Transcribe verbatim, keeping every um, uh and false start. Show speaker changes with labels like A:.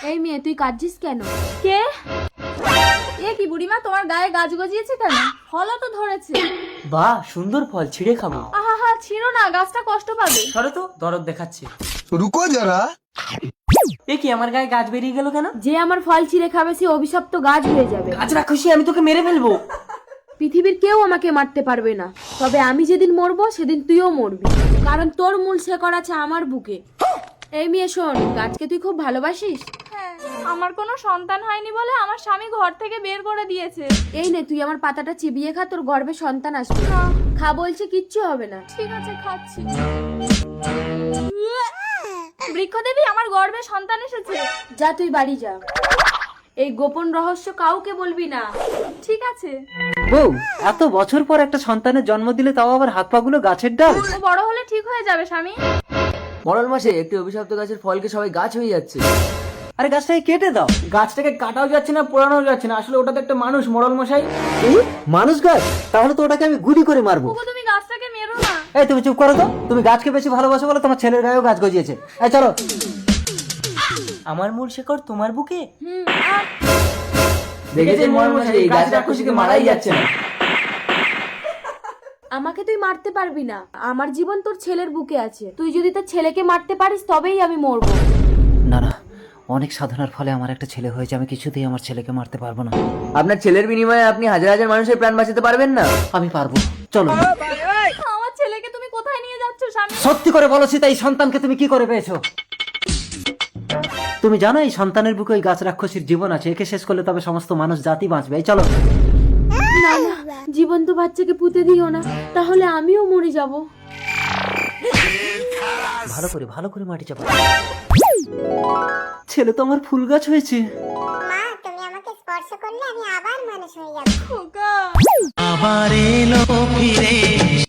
A: এই মেয়ে তুই কাঁদছিস কেন?
B: কে? এ কি বুড়িমা, তোমার গায়ে গাছ গজিয়েছে কেন? ফলও তো ধরেছে।
C: বাহ, সুন্দর ফল, ছিঁড়ে খাবো।
B: আহা হা, ছিড়ো না, গাছটা কষ্ট পাবে।
C: সরো তো, দরদ দেখাচ্ছে।
D: रुको जरा।
C: এ কি, আমার গায়ে গাছ বেরিয়ে গেল কেন?
A: যে আমার ফল ছিঁড়ে খাবে সে অভিশপ্ত গাছ হয়ে যাবে।
C: গাছ রাক্ষসী, আমি তোকে মেরে ফেলবো।
A: পৃথিবীর কেউ আমাকে মারতে পারবে না, তবে আমি যেদিন মরবো সেদিন তুইও মরবি, কারণ তোর মূল শেকড় আছে আমার বুকে। এই মেয়ে শোন, গাছকে তুই খুব ভালোবাসিস?
B: হ্যাঁ, আমার কোনো সন্তান হয়নি বলে আমার স্বামী ঘর থেকে বের করে দিয়েছে।
A: এই নে তুই আমার পাতাটা চিবিয়ে খা, তোর গর্ভে সন্তান আসবে। খা বলছে, কিচ্ছু হবে না।
B: ঠিক আছে, খাচ্ছি। বৃক্ষদেবী, আমার গর্ভে সন্তান এসেছে।
A: যা তুই বাড়ি যা, এই গোপন রহস্য কাউকে বলবি না।
B: ঠিক আছে।
C: বউ, এত বছর পর একটা সন্তানের জন্ম দিলে, তাও আবার হাত পা গুলো গাছের ডাল।
B: ও বড় হলে ঠিক হয়ে যাবে স্বামী।
E: মরল মাসে একটি অভিশপ্ত গাছের ফলকে সবাই গাছ হয়ে যাচ্ছে।
C: আরে গাছটাকে কেটে দাও।
E: গাছটাকে কাটাও যাচ্ছে না, পোড়ানো যাচ্ছে না, আসলে ওটা তো একটা মানুষ, মরল মশাই।
C: এই, মানুষ গাছ? তাহলে তো ওটাকে আমি গুলি করে মারবো।
B: ওগো, তুমি গাছটাকে মেরো না।
C: এই তুমি চুপ করো তো, তুমি গাছকে বেশি ভালোবাসো বলে তোমার ছেলের গায়েও গাছ গজিয়েছে। এই চলো। আমার মূল শেকড় তোমার বুকে।
B: হুম, আহ,
E: দেখেছেন মরল মশাই, এই গাছ রাক্ষসীকে মারাই যাচ্ছে না।
A: আমাকে তুই মারতে পারবি না, আমার জীবন তোর ছেলের বুকে আছে। তুই যদি তোর ছেলেকে মারতে পারিস তবেই আমি মরবো।
C: না না, অনেক সাধনার ফলে আমার একটা ছেলে হয়েছে, আমি কিছুতেই আমার ছেলেকে মারতে পারবো না।
E: আপনার ছেলের বিনিময়ে আপনি হাজার হাজার মানুষের প্রাণ বাঁচাতে পারবেন না।
C: আমি পারবো, চলো।
B: আমার ছেলেকে তুমি কোথায় নিয়ে যাচ্ছ স্বামী?
C: সত্যি করে বলো সীতা, এই সন্তানকে তুমি কি করে পেয়েছো? তুমি জানো এই সন্তানের বুকে ওই গাছ রাক্ষসীর জীবন আছে, একে শেষ করলে তবে সমস্ত মানুষ জাতি বাঁচবে। এই চলো।
A: না না, জীবন্ত বাচ্চাকে পুঁতে দিও না, তাহলে আমিও মরে যাব।
C: ভালো করে ভালো করে মাটি চাপা। ছেলে তো আমার ফুল গাছ হয়েছে।
F: মা, তুমি আমাকে স্পর্শ করলে আমি আবার মানুষ হয়ে যাব।
B: খোকা।
G: আবার এলো ফিরে